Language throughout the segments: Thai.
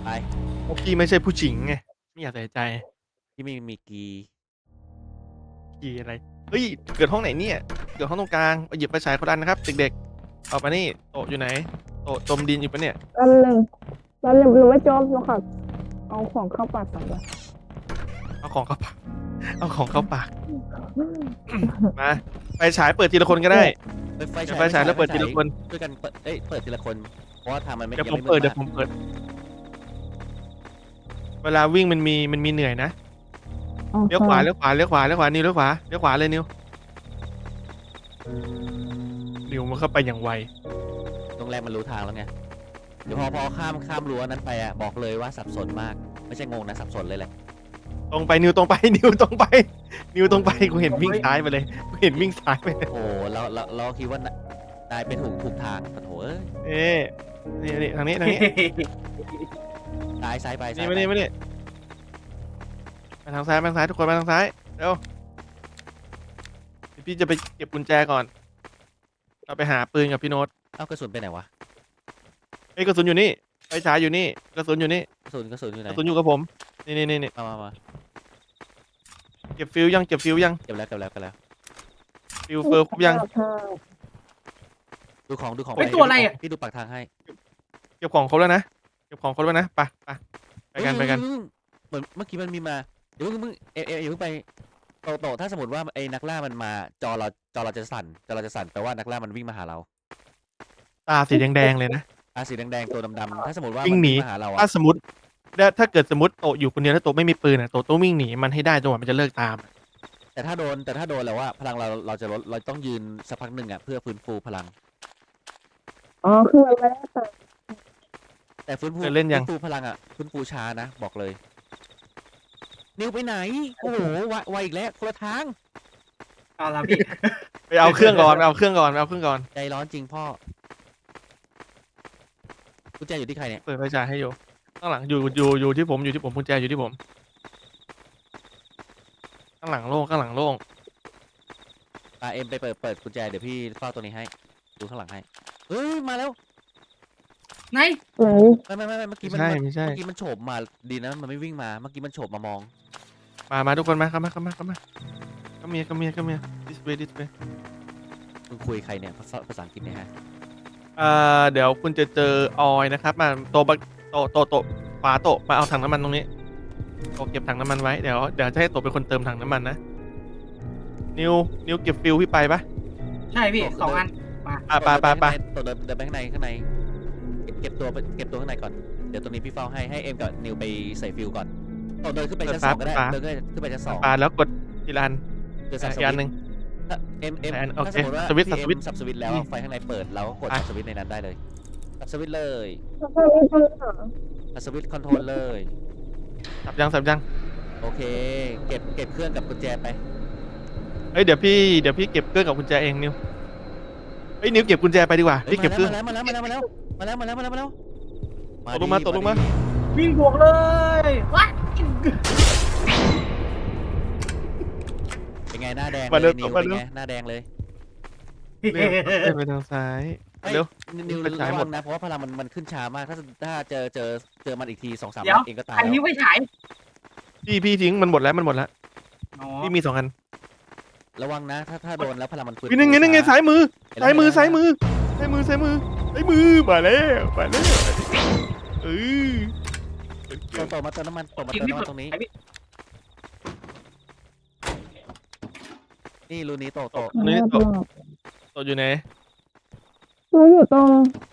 ไปเพราะพี่ไม่ใช่ผู้หญิงไงไม่อยากใส่ใจที่ไม่มีกีกี่อะไรเฮ้ยเกิดห้องไหนเนี่ยเกิดห้องตรงกลางเอาหยิบไฟฉายคนละอันนะครับเด็กๆเอามานี่โต๊ะอยู่ไหนโต๊ะจมดินอยู่ปะเนี่ยแป๊บนึงแป๊บนึงหนูไม่จบหนูขอเอาของเข้าปากก่อนเลยเอาของเข้าปากเอาของเข้าปากมาไฟฉายเปิดทีละคนก็ได้ไฟเดี๋ยวฉายไฟฉายแล้วเปิดทีละคนช่วยกันเปิดเปิดทีละคนเพราะว่าทางมันไม่เดี๋ยวยังผมเปิดเดี๋ยไม่มืดมากวผมเปิดเวลาวิ่งมันมีเหนื่อยนะโอเคเลี้ยวขวาเลี้ยวขวาเลี้ยวขวาเลี้ยวขวานิวเลี้ยวขวาเลี้ยวขวาเลยนิวมันเข้าไปอย่างไวโรงแรมมันรู้ทางแล้วไงเดี๋ยวพอข้ามรั้วนั้นไปอ่ะบอกเลยว่าสับสนมากไม่ใช่งงนะสับสนเลยแหละตรงไปนิวตรงไปนิวตรงไปนิวตรงไปกูเห็นวิ่งซ้ายไปเลยกูเห็นวิ่งซ้ายไปเลยโอ้เราคิดว่านายไปถูกทางปะโถเอ้ยนี่ทางนี้ซ้ายไปนี่มานี่มาทางซ้ายทุกคนมาทางซ้ายเร็วพี่จะไปเก็บกุญแจก่อนเราไปหาปืนกับพี่โน้ตเอากระสุนไปไหนวะเอ้ยกระสุนอยู่นี่ไฟฉายอยู่นี่กระสุนอยู่นี่กระสุนอยู่ไหนกระสุนอยู่กับผมนี่มาเก็บฟิวยังเก็บแล้วฟิวเฟอร์ครบยังดูของไปตัวอะไรอ่ะพี่ดูปากทางให้เก็บของครบแล้วนะไปกันเหมือนเมื่อกี้มันมีมาเดี๋ยวมึงอย่าเพิ่งไปโตถ้าสมมติว่าไอ้นักล่ามันมาจอเราจะสั่นแปลว่านักล่ามันวิ่งมาหาเราตาสีแดงเลยนะสีแดงตัวดำๆถ้าสมมติว่าวิ่งหนีมันวิ่งมาหาเราถ้าอะถ้าเกิดสมมติโตอยู่คนเดียวแล้วโตไม่มีปืนอ่ะโตต้องวิ่งหนีมันให้ได้จนกว่ามันจะเลิกตามแต่ถ้าโดนแล้วว่าพลังเราจะลดเราต้องยืนสักพักหนึ่งอะเพื่อฟื้นฟูพลังอ๋อคือมันไม่ได้ตัดแต่ฟื้นเล่นยังฟูพลังอะฟื้นฟูช้านะบอกเลยนิวไปไหนโอ้โหไวอีกแล้วคนละทางเอาละพี่ไปเอาเครื่องก่อนใจร้อนจริงพ่อกุญแจอยู่ที่ใครเนี่ยเปิดไฟฉายให้อยู่ข้างหลังอยู่ที่ผมกุญแจอยู่ที่ผมข้างหลังโล่งเอ็มไปเปิดกุญแจเดี๋ยวพี่เฝ้าตัวนี้ให้ดูข้างหลังให้เฮ้ยมาแล้วไหนไม่เมื่อกี้ไม่ใช่เมื่อกี้มันโฉบมาดีนะมันไม่วิ่งมาเมื่อกี้มันโฉบมามองมาทุกคนมาเข้ามาthis way มึงคุยใครเนี่ยภาษาอังกฤษเนี่ยฮะเดี๋ยวคุณจะเจอออยนะครับมาโตขวาโตมาเอาถังน้ำมันตรงนี้โตเก็บถังน้ำมันไว้เดี๋ยวจะให้โตเป็นคนเติมถังน้ำมันนะนิวเก็บฟิลพี่ไปปะใช่พี่2 อันไปตัวเดินไปข้างในเก็บตัวข้างในก่อนเดี๋ยวตัวนี้พี่เฝ้าให้เอ็มกับนิวไปใส่ฟิลก่อนเดินขึ้นไปชั้น 2ก็ได้เดินขึ้นไปชั้น 2 แล้วกดทีละอันเดินสับสอีกอันหนึ่งเอ็มโอเคถ้าสมมติว่าสวิตช์พี่เอ็มสับสวิตช์แล้วไฟข้างในเปิดแล้วกดสับสวิตช์ในนั้นได้เลยสับสวิตช์เลยสับสวิตช์คอนโทรลเลยสับยังโอเคเก็บเครื่องกับกุญแจไปเฮ้ยเดี๋ยวพี่เก็บเครื่องกับกุญแจเองนิวเฮ้ยนิวเก็บกุญแจไปดีกว่าพี่เก็บเครื่องมาแล้วตกลงมาวิ่งบวกเลยวัดเป็นไงหน้าแดงเลยนิวเป็นไงหน้าแดงเลยไปทางซ้ายเร็วนิวระวังนะเพราะว่าพลังมันขึ้นช้ามากถ้าเจอมันอีกที2-3 นัดเองก็ตายอันนี้ไม่ฉายพี่ทิ้งมันหมดแล้วพี่มี2 อันระวังนะถ้าโดนแล้วพลังมันฟื้นนั่นไงซ้ายมือมาแล้วต่อมาเติมน้ำมันตรงนี้นี่รูนี้โตนี่โตอยู่ไหนรู้อยู่ตรง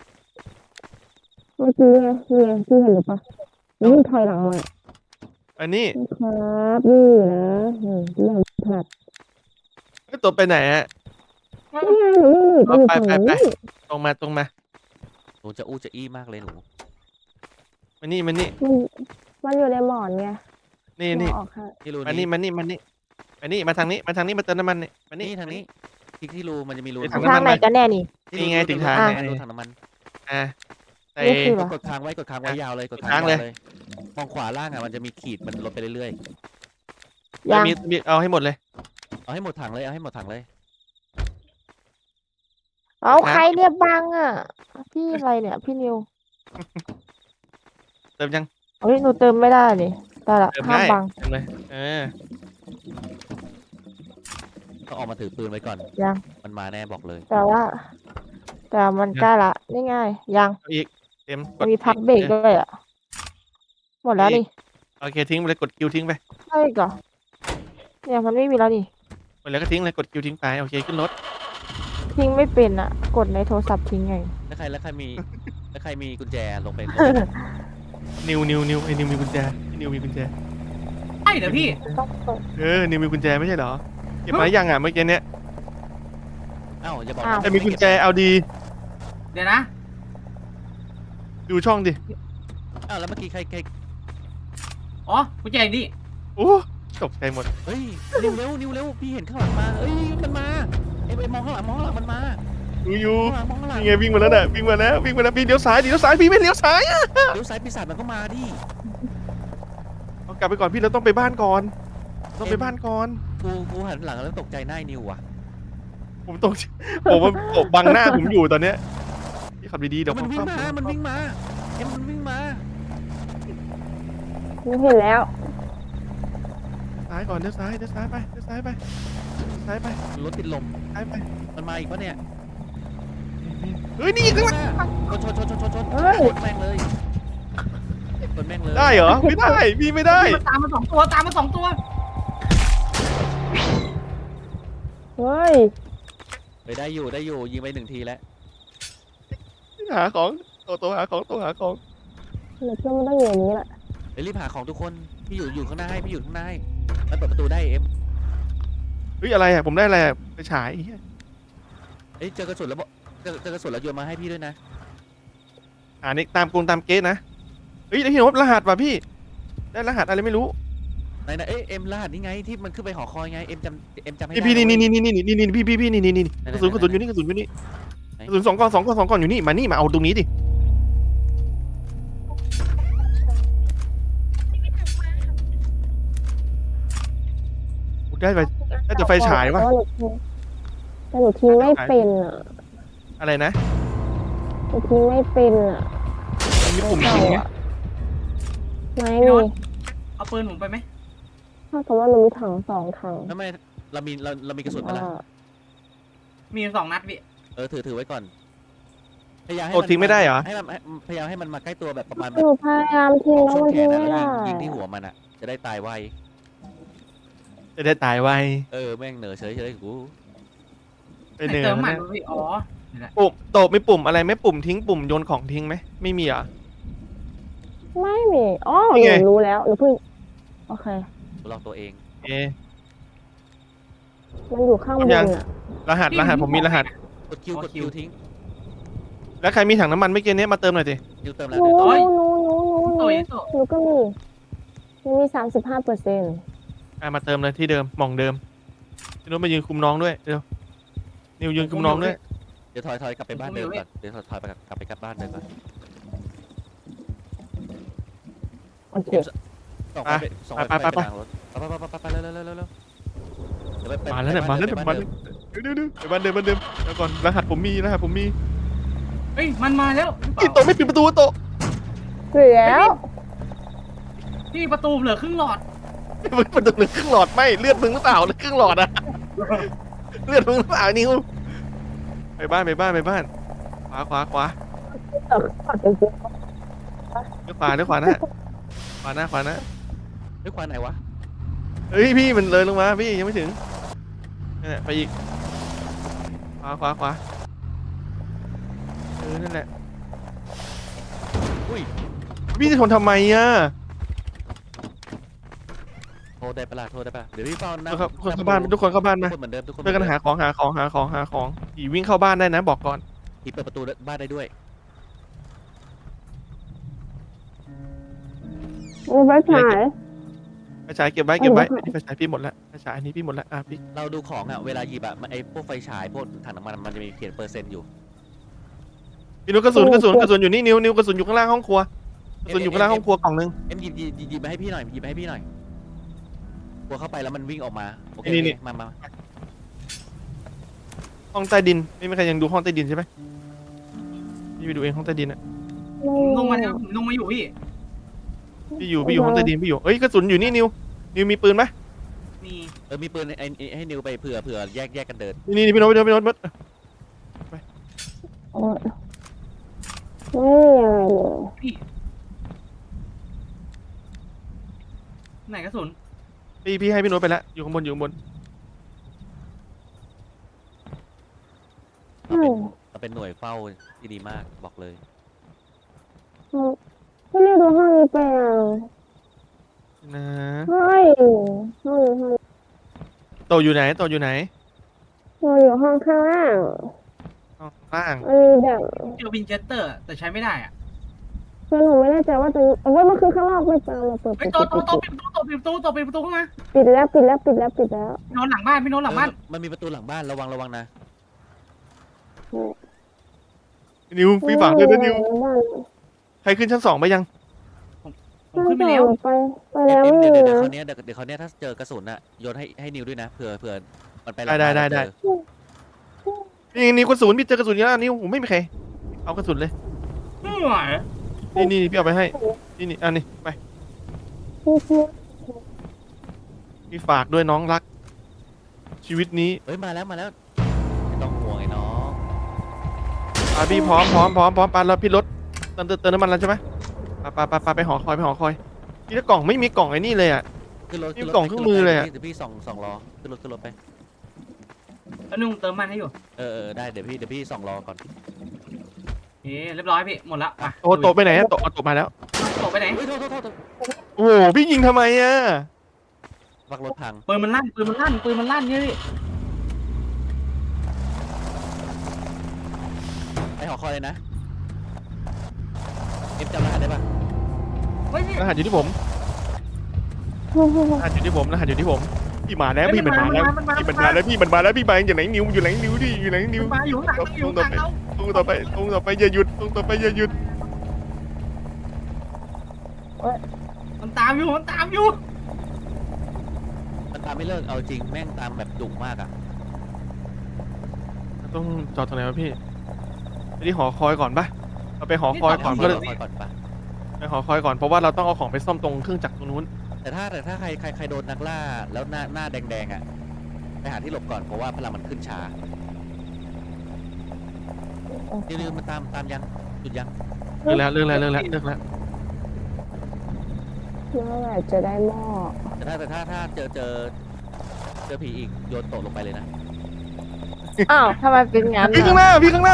เมื่อกี้ไงพี่เห็นหรือปะนี่ถอยหลังมาอันนี้ครับนี่นะเรื่องพลาดตัวไปไหนอะนี่ไงหนูอยู่ฝั่งนี้ตรงมาหนูจะอู้จะอี้มากเลยหนูมานี่มันอยู่ในหมอนไงนี่มานี่มาทางนี้มาเติมน้ำมันนี่มานี่ทางนี้ที่รูมันจะมีรูทางไหนกันแน่นี่ไงถึงทางรูถังน้ำมันใส่กดค้างไว้ยาวเลยกดค้างเลยมองขวาล่างอ่ะมันจะมีขีดมันลดไปเรื่อยๆมีเอาให้หมดเลยเอาให้หมดถังเลยเอาใครเนี่ยบังอ่ะพี่อะไรเนี่ยพี่นิวเติมยังเฮ้ยหนูเติมไม่ได้ดิได้ละเติมห้ามได้บังเติมเลยต้องออกมาถือปืนไว้ก่อนยังมันมาแน่บอกเลยแต่มันใกล้ละนี่ไงยังเอาอีกเต็มกมันดมีพักเบรกด้วยอ่ะหมดแล้วนี่โอเคทิ้งไปเลยกดคิวทิ้งไปใช่อีก่อเนี่ยมันไม่มีแล้วนี่หมดแล้วก็ทิ้งเลยกดคิวทิ้งไปโอเคขึ้นรถทิ้งไม่เป็นอ่ะ กดในโทรศัพท์ทิ้งไงแล้วใครมีกุญแจลงไปนิวไอ้นิวมีกุญแจไอ้นิวมีกุญแจใช่เหรอพี่ต้องเปิดนิวมีกุญแจไม่ใช่เหรอเก็บมายังอ่ะเมื่อกี้เนี้ยเอ้าอย่าบอกอ้าวนะแต่มีกุญแจเอาดีเดี๋ยวนะดูช่องดิอ้าวแล้วเมื่อกี้ใครอ๋อกุญแจนี่โอ้ตกใจหมดเฮ้ยนิวเร็วพี่เห็นข้างหลังมาเอ้ยมันมาไอ้มองข้างหลังมันมาดูอยู่มองข้างหลังนี่ไงวิ่งมาแล้วน่ะวิ่งมาแล้วพี่เลี้ยวซ้ายพี่ไม่เลี้ยวซ้ายอะเลี้ยวซ้ายปีศาจมันก็มาดิเอากลับไปก่อนพี่เราต้องไปบ้านก่อนต้องไปบ้านก่อนกูหันหลังแล้วตกใจหน้านิวอ่ะผมตกผมมันตกบังหน้าผมอยู่ตอนเนี้ยพี่ขับดีๆเดี๋ยวมันวิ่งมาผมมันวิ่งมามันวิ่งมาหนูเห็นแล้วซ้ายก่อนเลี้ยวซ้ายไปซ้ายไปรถติดลมซ้ายไปมันมาอีกปะเนี่ยเฮ้ยนี่ข้างหลังชนเฮ้ยชนแม่งเลยชนแม่งเลยได้เหรอไม่ได้พี่ไม่ได้มันตามมาสองตัวตามมาสองตัวเฮ้ยไปได้อยู่ยิงไป1 ทีแล้วหาของโตหาของเดี๋ยวเพื่อนมันต้องอยู่อย่างนี้แหละเดี๋ยวรีบหาของทุกคนพี่อยู่ข้างหน้าให้มันเปิดประตูได้เอ็มเฮ้ยอะไรอ่ะผมได้อะไรอ่ะไปฉายไอ้เหี้ยเอ้ยเจอกระสุนแล้วเจอกระสุนแล้วโยนมาให้พี่ด้วยนะนี่ตามเกสนะเฮ้ยได้ที่โน้ตรหัสว่ะพี่ได้รหัสอะไรไม่รู้ไหนเอ้ยเอ็มรหัสนี่ไงที่มันขึ้นไปหอคอยไงเอ็มจำให้พี่ได้นี่เว้ยพี่นี่กระสุนอยู่นี่กระสุน2 ก้อนอยู่นี่มาเอาตรงนี้ดิได้ไปน่าจะไฟฉายวะแต่หนูทิ้งไม่เป็นอ่ะอะไรนะหนูทิ้งไม่เป็นอ่ะมีปุ่มเก่ายิงไหมอ่ะไม่มีเอาปืนผมไปไหมถ้ากับว่าหนูมีถัง2 ถังทำไมเรามีกระสุนมาละมี2 นัดพี่ถือไว้ก่อนพยายามให้โอ้ทิ้งไม่ได้เหรอพยายามให้มันมาใกล้ตัวแบบประมาณหนูพยายามทิ้งแล้วช่วมังนแขทิ้งนไม่นะได้ยิงที่หัวมันอ่ะจะได้ตายไวจะได้ตายไวแม่งเหนือเฉยกูไปเหนื่อเติมยใหม่นะพี่อ๋อปุ่มโตไม่ปุ่มอะไรไม่ปุ่มทิ้งปุ่มโยนของทิ้งไหมไม่มีเหรอไม่มีอ๋อนี่หไงนูรู้แล้วหนูเพิ่งโอเคลองตัวเองเอ๊ะมันอยู่ข้างบนยังอ่ะรหัสผมมีรหัสกดคิวทิ้งแล้วใครมีถังน้ำมันไม่เกินนี้มาเติมหน่อยสิคิวเติมหแล้วนูเนี่ยโอ้ยโตหนูก็มีมันมี35% มาเติมเลยที่เดิมหม่องเดิมพี่นุชมายืนคุมน้องด้วยเดี๋ยวนิวยืนคุมน้องด้วยเดี๋ยวถอยกลับไปบ้านเดิมก่อนเดี๋ยวถอยกลับไปบ้านเดิมก่อนโอเคส่งไปทางรถไปเร็วเดี๋ยวไปมาแล้วเนี่ยมาแล้วเดี๋ยวไปบ้านเดิมเดี๋ยวก่อนรหัสผมมีเฮ้ยมันมาแล้วโตไม่ปิดประตูโตเสียแล้วพี่ประตูเหลือครึ่งหลอดประตูเหลือครึ่งหลอดไม่เลือดมึงหรือเปล่าหรือครึ่งหลอดอะเลือดมึงหรือเปล่านิวไปบ้านขวาขอจริงเลี้ยวขวานะขวาหน้าด้วยความไหนวะเฮ้ยพี่มันเลยลงมาพี่ยังไม่ถึงนี่นแหละไปอีกขวานั่นแหละอุ้ยพี่จะทนทำไมอ่ะโทรได้ปะเดี๋ยวพี่เฝ้านะทุกคนเข้าบ้านมาทุกคนเหมือนเดิมทุกคนช่วยกันหาของผีวิ่งเข้าบ้านได้นะบอกก่อนผีเปิดประตูบ้านได้ด้วยมีไฟฉายไฟฉายเก็บไว้ไฟฉายพี่หมดแล้วไฟฉายอันนี้พี่หมดแล้วพี่เราดูของอ่ะเวลาหยิบอ่ะไอ้พวกไฟฉายพวกถังน้ำมันมันจะมีเขียนเปอร์เซ็นต์อยู่พี่นุ๊กกระสุนอยู่นี่นิวกระสุนอยู่ข้างล่างห้องครัวกระสุนอยู่ข้างล่างห้องครัวกล่องนึงเอ็มหยิบมาให้พี่หน่อยกลัวเข้าไปแล้วมันวิ่งออกมาโอเคมาห้องใต้ดินไม่มีใครยังดูห้องใต้ดินใช่ไหมพี่ไปดูเองห้องใต้ดินอ่ะลงมาอยู่พี่พี่อยู่ห้องใต้ดินพี่อยู่เอ้ยกระสุนอยู่นี่นิวมีปืนไหมมีมีปืนให้นิวไปเผื่อแยกกันเดินนี่พี่โน้ตโอ๊ยไม่มีอะไรเลยพี่ไหนกระสุนพี่ให้พี่โน้ตไปแล้วอยู่ข้างบนเราเป็นหน่วยเฝ้าที่ดีมากบอกเลยพี่นี่ดูห้องนี้ไปอ่ะนะเฮ้ยห้องนี้โตอยู่ไหนเราอยู่ห้องข้างล่างห้องล่างมันมีแบบเจอวินเจสเตอร์แต่ใช้ไม่ได้อ่ะคือหนูไม่แน่ใจว่าตรงนี้ว่ามันคือข้างนอกไม่เปล่าเราเปิดเฮ้ยโตปิดประตูเข้ามาปิดแล้วพี่โน้ตหลังบ้านมันมีประตูหลังบ้านระวังนะนิวพี่ฝากด้วยนะนิวใครขึ้นชั้น2ไปยังผมขึ้นไปแล้วไปแล้วไม่เดี๋มียวนะเขาวเนี้ยถ้าเจอกระสุนอะโยนให้นิวด้วยนะเผื่อมันไปหลังได้บ้านแล้วเจอนี่นิวกระสุนพี่เจอกระสุนเยอะนิวผมไม่มีใครเอากระสุนเลยไม่ไหวนี่พี่เอาไปให้นี่อันนี้ไปพี่ฝากด้วยน้องรัก ชีวิตนี้เฮ้ยมาแล้วไม่ต้องห่วงไอ้น้องพี่พร้อมปาแล้วพี่รถเติมน้ำมันแล้วใช่ไหมปาไปหอคอยพี่ถ้ากล่องไม่มีกล่องไอ้นี่เลยอ่ะขึ้นรถนี่กล่องเครื่องมือเลยอะเดี๋ยวพี่ส่องล้อขึ้นรถไปแล้วนุ่งเติมมันให้อยู่ได้เดี๋ยวพี่ส่องล้อก่อนเรียบร้อยพี่หมดละอ่ะโตไปไหนโตมาแล้วโตไปไหนเฮ้ยโทษโอ้โหพี่ยิงทำไมอ่ะวักรถพังปืนมันลั่นเนี่ยพี่ไปหอคอยเลยนะเอฟจำรหัสได้ปะเฮ้ยพี่รหัสอยู่ที่ผมพี่มาแล้วพี่มันมาแล้วพี่มาอยู่ไหนนิวอยู่ไหนนิวดิมาอยู่ข้างหลังมันอยู่ข้างหลังเราตรงต่อไปอย่าหยุดตรงต่อไปอย่าหยุดมันตามอยู่มันตามไม่เลิกเอาจริงแม่งตามแบบดุมากอะต้องจอดตรงไหนวะพี่ไปที่หอคอยก่อนปะเราไปหอคอยก่อนไปก็หเลอย คอยก่อนปะไปหอคอยก่อนเพราะว่าเราต้องเอาของไปซ่อมตรงเครื่องจักรตรงนู้นแต่ถ้าใครโดนนักล่าแล้วหน้าแดงๆอะไปหาที่หลบก่อนเพราะว่าพลังมันขึ้นช้านิวมันตามยังหยุดยังเรื่องแล้วเมื่อไหร่จะได้หม้อแต่ถ้าเจอผีอีกโยนโตะลงไปเลยนะอ้าวทำไมเป็นงั้นพี่ข้างหน้าวิ่งมา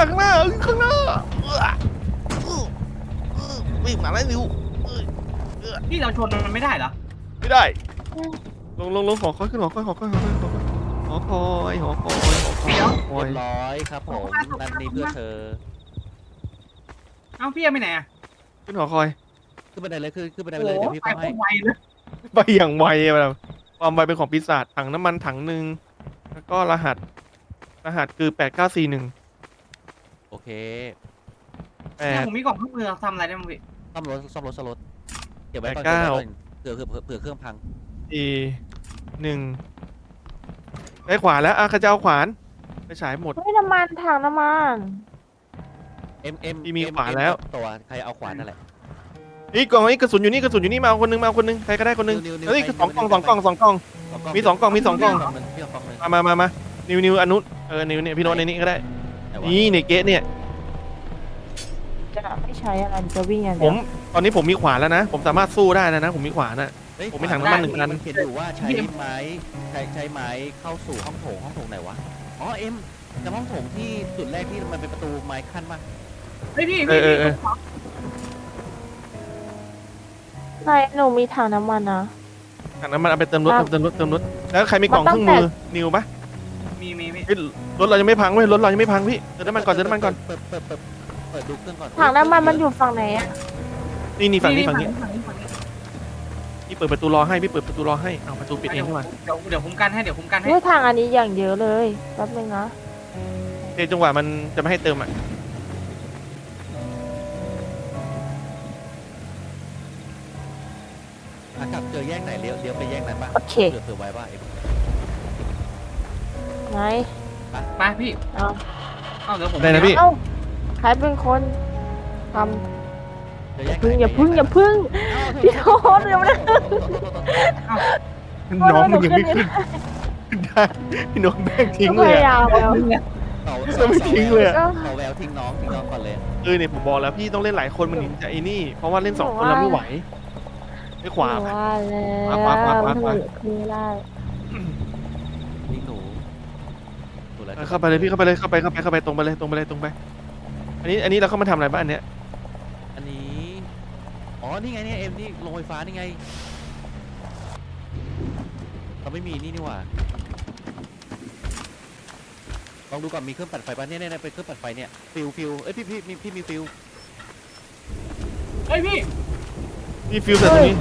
แล้วนิวพี่เราชนมันไม่ได้เหรอไม่ได้ลงหอคอยขึ้นหอคอยเรียบร้อยครับผมนั่นนี่เพื่อเธอเอ้าพี่ไปไหนอ่ะขึ้นหอคอยขึ้นบันไดเลยขึ้นบันไดไปเลยเดี๋ยวพี่ไปเฝ้าให้ไวเลยไปอย่างไวแบบความไวเป็นของปีศาจถังน้ำมันถังหนึ่งแล้วก็รหัสคือ8941 โอเคเนี่ยผมมีกล่องเครื่องมือทำอะไรได้มั้งพี่ซ่อมรถเก็บไว้ก่อนเผื่อเครื่องพัง 41ได้ขวานแล้วข้าเจ้าขวานไปฉายหมดไม่น้ำมันถังน้ำมันพี่มีขวานแล้วตัวใครเอาขวานนั่นแหละนี่กล่องนี้กระสุนอยู่นี่มาเอาคนนึงใครก็ได้คนนึงเฮ้ย2 กล่องมี 2 กล่องพี่เอากล่องเลยมานิวอนุนิวเนี่ยพี่โน้ตในนี้ก็ได้นี่ในเกะเนี่ยจะไม่ใช้อะไรจะวิ่งอย่างผเดียมวตอนนี้ผมมีขวานแล้วนะผมสามารถสู้ได้แล้วนะผมมีขวานอ่ะ ผมมีถังน้ำมัน1 อันเขียนอยู่ว่าใช้ไม้เข้าสู่ห้องโถงไหนวะอ๋อจำห้องโถงที่จุดแรกที่มันเป็นประตูไม้ขั้นป่ะเฮ้ยพี่นายหนูมีถังน้ำมันนะถังน้ำมันเอาไปเติมรถแล้วใครมีกล่องเครื่องมือนิวปะมีรถเรายังไม่พังเว้ยรถเรายังไม่พังพี่เติมน้ำมันก่อนเปิดดูเครื่องก่อนถังน้ำมันมันอยู่ฝั่งไหนอะนี่ฝั่งนี้ฝั่งนี้พี่เปิดประตูรอให้เอาประตูปิดเองดีกว่าเดี๋ยวคุ้มกันให้เฮ้ยถังอันนี้อย่างเยอะเลยแป๊บนึงนะเดี๋ยวจังหวะมันจะไม่ให้เติมอ่ะกลับเจอแยกไหนเลี้ยวไปแยกนั้นป่ะโอเคเผื่อไว้ว่าไหนไปพี่เอาเอ้าเดี๋ยวผมได้นะพี่เอ้าใครเป็นคนทเจอแยกำอย่าพึ่งพี่โอ๊ตเดี๋ยวนะน้องมันยังไม่ขึ้นได้พี่น้องแม่งทิ้งก็เลพยยายามแล้วเราไม่ทิ้งเลยอะเขาแววทิ้งน้องก่อนเลยเนี่ยผมบอกแล้วพี่ต้องเล่นหลายคนมันถึงจะไอ้นี่ เพราะว่าเล่น2 คนเราไม่ไหวไม่ขวาหนูไปว่าแล้วขวาทำไมหนูขึ้นไม่ได้ทิ้งหนูแล้วเข้าไปเลยพี่เข้าไปเลยเข้าไปตรงไปเลยตรงไป อันนี้เราเข้ามาทำอะไรบ้างอันเนี้ยอันนี้อ๋อนี่ไงเนี่ยเอ็มนี่ลงไฟฟ้านี่ไงเราไม่มีนี่หว่าลองดูก่อนมีเครื่องปั่นไฟป่ะเนี่ยเป็นเครื่องปั่นไฟเนี่ยฟิวเอ้ยพี่มีฟิวเฮ้ยพี่นี่ฟิวแต่ตรงนี้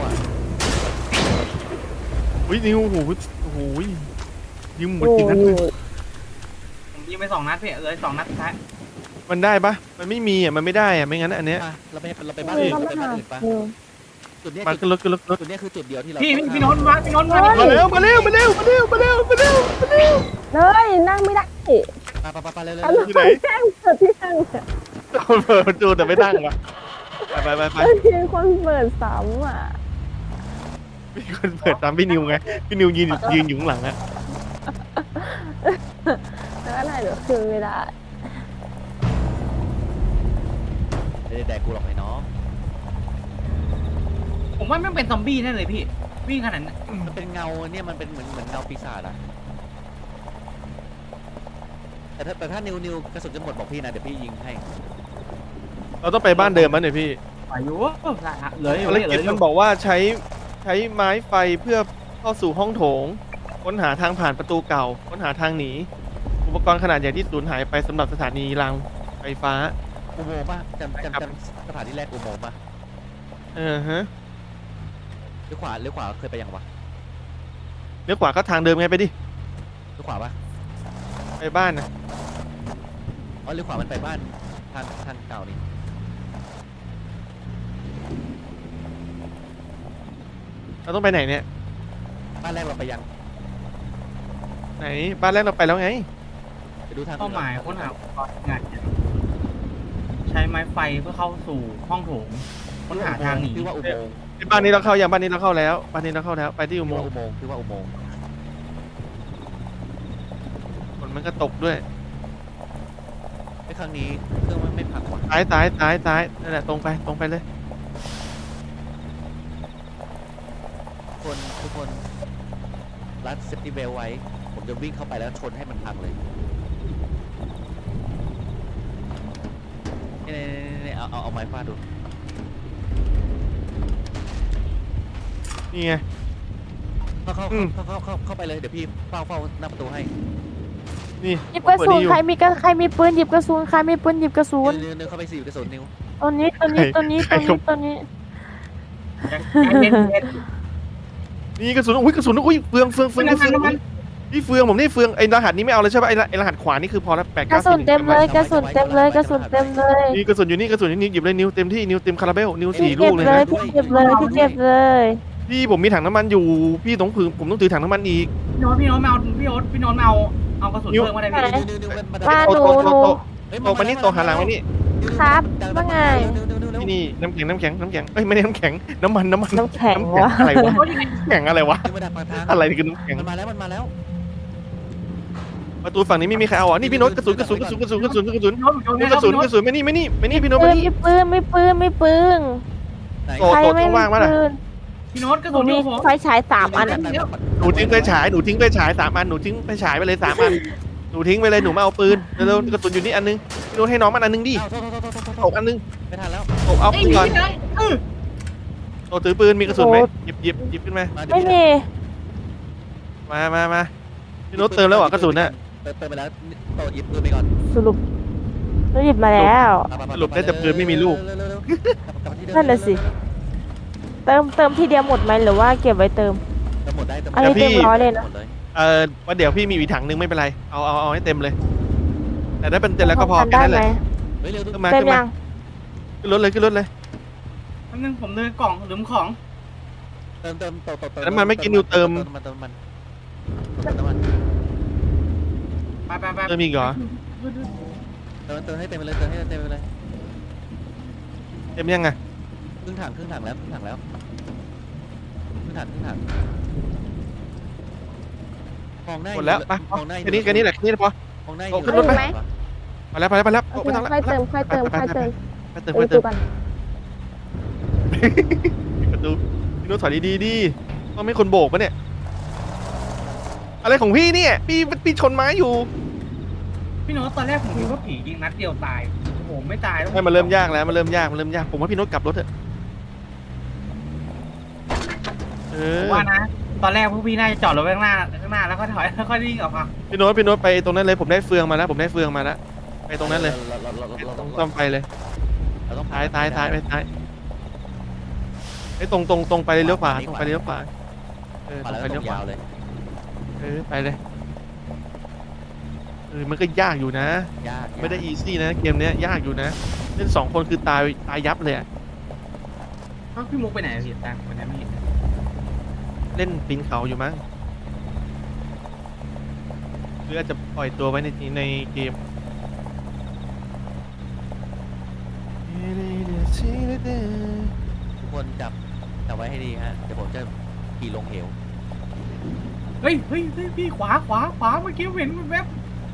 อุ้ยนิวโอ้โหยิงหมดโอ้กี่นัดยเลยผมยิงไป2 นัดพี่เลย2 นัดสุดท้ายมันได้ปะมันไม่มีอ่ะมันไม่ได้อ่ะไม่งั้นอันเนี้ยเราไปบ้านอื่นเราไปบ้านอื่นปะจุดเนี้ยมาขึ้นรถจุดเนี้ยคือจุดเดียวที่เราพี่โน้ตมาพี่โน้ตมามาเร็วเลยนั่งไม่ได้ไปเลยอันนั้นแจ้งเปิดที่นั่งเนี่ยเปิดประตูแต่ไม่ตั้งวะไปมีคนเปิดซ้ำอ่ะมีคนเปิดตามพี่นิวไงพี่นิวยืนอยู่ข้างหลังอะแล้วอะไรเดี๋ยวคืนไม่ได้แดกกูหรอกไอ้น้องผมว่าไม่เป็นซอมบี้แน่เลยพี่วิ่งขนาดนั้นมันเป็นเงาเนี่ยมันเป็นเหมือนเงาปีศาจอะแต่ถ้านิวกระสุนจะหมดบอกพี่นะเดี๋ยวพี่ยิงให้เราต้องไปบ้านเดิมมั้ยเนี่ยพี่อายุเลยภารกิจมันบอกว่าใช้ไม้ไฟเพื่อเข้าสู่ห้องโถงค้นหาทางผ่านประตูเก่าค้นหาทางหนีอุปกรณ์ขนาดใหญ่ที่สูญหายไปสำหรับสถานีรางไฟฟ้าอุโมงค์ป่ะจำสถานที่แรกอุโมงค์ป่ะฮะเลี้ยวขวาเคยไปยังวะเลี้ยวขวาก็ทางเดิมไงไปดิเลี้ยวขวาป่ะไปบ้านนะอ๋อเลี้ยวขวามันไปบ้านทางเก่านี่เราต้องไปไหนเนี่ยบ้านแรกเราไปยังไหนบ้านแรกเราไปแล้วไงไปดูทางเป้าหมายค้นหาอุปกรณ์งานใช้ไม้ไฟเพื่อเข้าสู่ห้องโถงค้นหาทางหนีพี่ว่าอุโมงค์บ้านนี้เราเข้ายังบ้านนี้เราเข้าแล้วไปที่อุพี่โมว่างค์อุโมงค์พี่ว่าอุโมงค์ฝนมันก็ตกด้วยไอ้ครั้งนี้เครื่องมันไม่พังว่ะซ้ายนั่นแหละตรงไปเลยทุกคนรัดเซฟตี้เบลไว้ผมจะวิ่งเข้าไปแล้วชนให้มันพังเลยนี่เอาไม้ฟาดดูนี่ไงเข้าไปเลยเดี๋ยวพี่เฝ้าหน้าประตูให้นี่หยิบกระสุนเปิดนี่อยู่ใครมีปืนหยิบกระสุนใครมีปืนหยิบกระสุนนิวเข้าไปสิกระสุนนิวตัวนี้นี่กระสุนอุ้ยกระสุนอุ้ยเฟืองนี่เฟืองผมนี่เฟืองไอ้รหัสนี้ไม่เอาเลยใช่ป่ะไอ้รหัสขวานี่คือพอแล้ว8 9 กระสุนเต็มเลยกระสุนเต็มเลยนี่กระสุนอยู่นี่นิวหยิบเลยนิวเต็มที่นิวเต็มคาราเบลนิวพี่ 4 ลูเก็บกเลยเลยนะพี่เก็บเลยพี่ผมมีถังน้ำมันอยู่พี่ต้องผมต้องถือถังน้ำมันอีกพี่โน้ตมาเอากระสุนเพิ่มมาได้พี่นิวว่าหนูโตมานี่โตหันหลังมานี่ครับว่าไงนี่น้ำแข็งเอ้ยไม่ได้น้ำแข็งน้ำมันน้ำแข็งวะอะไรวะแข็งอะไรวะมาดักปากทางอะไรคือน้ำแข็งมันมาแล้วประตูฝั่งนี้ไม่มีใครเอาอ่ะนี่พี่โน้ตกระสุนพี่โน้ตไม่นี่พี่โน้ตปืมาน นี่ไม่ปืนไหนโตใครโตไม่ว่างมาล่ะปืนพี่โน้ตกระหนูสุนมีผมไฟฉาย3 อันอะหนูทิ้งไปฉาย3 อันหนูทิ้งไปฉายไปเลย3 อันหนูทิ้งไปเลยหนูมาเอาปืนเร็วกระสุนอยู่นี่อันนึงพี่โน้ตให้น้องมันอันนึงดิตกอันนึงไม่ทันแล้วตกเอาไอ้ปืนนี่ก่อนเลยโตถือปืนมีกระสุนไหมหยิบขึ้นมาไม่มีมาพี่โน้ตเติมแล้วเหรอกระสุนน่ะเติมไปแล้วโตหยิบปืนไปก่อนสรุปเราหยิบมาแล้วสรุปได้แต่ปืนไม่มีลูกนั่นน่ะสิ เติมทีเดียวหมดไหมหรือว่าเก็บไว้เติมเติมหมดได้อันนี้เต็มร้อยเลยนะว่าเดี๋ยวพี่มีอีกถังนึงไม่เป็นไรเอาให้เต็มเลยแต่ได้เป็นเต็มแล้วก็พอทำแค่ได้นั้นไหแหมละเฮ้ยเร็วขึ้นมาเต็มยังขึ้นรถเลยแป๊บนึงผมเดินกล่องหรือของเติมโตน้ำมันไม่กินนิวเติมมันไปเติมอีกเหรอเติมให้เต็มไปเลยเติมให้เต็มไปเลยเต็มยังไงครึ่งถังแล้วครึ่งถังครึ่งถังมองหน้าหมดแล้วไปมองหน้าแค่นี้แหละแค่นี้พอมองหน้าโอ้ขึ้นรถไปไหมไปแล้วโอเคไม่ต้องละค่อยเติมค่อยเติมไปค่อยเติมไปเติมไปไปเติดูมกันประตูพี่นุ้ถอยดีๆดิต้องไม่คนโบกปะเนี่ยอะไรของพี่เนี่ยพี่ชนไม้อยู่พี่โน้ตตอนแรกผมคิดว่าผียิงนัดเดียวตายโอ้โหไม่ตายต้องไม่มันเริ่มยากแล้วมันเริ่มยากผมว่าพี่นุ้กลับรถเถอะเอผอมว่านะ ตอนแรกพวกพี่น่าจะจอดรถไว้ข้างหน้าแล้วก็ถอยแล้วก็วิ่งออกมาพี่โน้ตไปตรงนั้นเลยผมได้เฟืองมาแล้วไปตรงนั้นเลยเราต้องซ่อมไฟเลยเราต้องท้ายไปท้ายไอ้ตรงไปเลยเลี้ยวขวาตรงไปเลี้ยวขวาเออมาตรงแล้วไปต้เลี้ยวขวายองาวเลยไปเลยมันก็ยากอยู่นะยากไม่ได้อีซี่นะเกมเนี้ยยากอยู่นะเล่น2 คนคือตายยับเลยอะเอ้าพี่มุกไปไหนพี่ตามวันนั้นไม่เห็นเล่นปีนเขาอยู่มั้งหรืออาจจะปล่อยตัวไว้ในเกมทุกคนจับไว้ให้ดีฮะเดี๋ยวผมจะขี่ลงเหวเฮ้ยพี่ขวาเมื่อกี้เห็นมันแวบ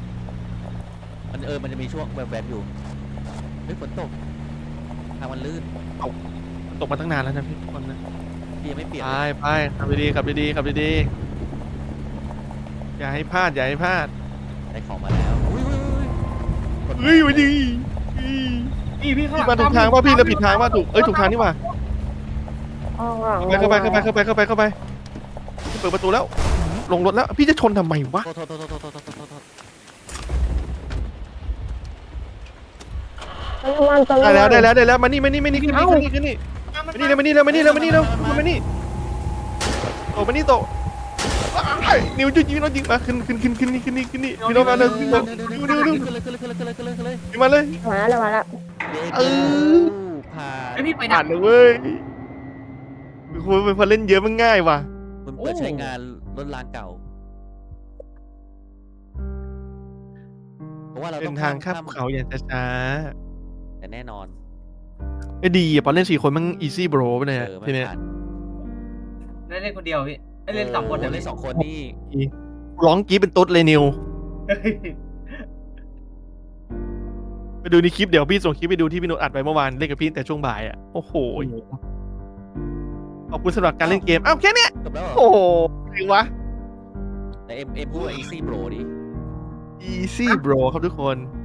มันจะมีช่วงแบบอยู่เฮ้ยฝนตกทางมันลื่นตกมาตั้งนานแล้วนะพี่ทุกคนนะพี่ยังไม่เปลี่ยนไปขับดีๆอย่าให้พลาดได้ของมาแล้วอุ้ยเฮ้ยวันดีพี่ข้างหพี่ลังมาถูกทางว่าพี่เราผิดทางว่าถูกทางนี่ว่าอ๋อเข้าไปพี่เปิดประตูแล้วลงรถแล้วพี่จะชนทำไมวะโทษได้แล้วมานี่ขึ้นนี่โตนิวยิงน้องยิงมาขึ้นนี่พี่น้องมาเลยพี่มาเลยมาแล้วผ่านไอพี่ไปดัผ่าก นเลยเว้ยคุณเป็นคนเล่นเยอะมันง่ายว่ะคุณเปิดใช้งานรถรางเก่าเพราะว่าเราเป็ต้อน งทางข้ามเขาอย่างช้าแต่แน่นอนไอ้ดีอ่ะพอเล่น4 คนมันอีซี่โบรไปเลยไม่ทีเนี้ยผ่านเล่นคนเดียวพี่เล่น2 คนเล่น2 คนนี่ร้องกรี๊ดเป็นตุ๊ดเลยนิวไปดูในคลิปเดี๋ยวพี่ส่งคลิปไปดูที่พี่โนตอัดไปเมื่อวานเล่นกับพี่แต่ช่วงบ่ายอ่ะโอ้โหขอบคุณสำหรับการเล่นเกมอ้าวแค่เนี้ยจบแล้วโอ้โหถึงวะแต่เอ็มพูดว่า easy bro ดิ easy bro ครับทุกคน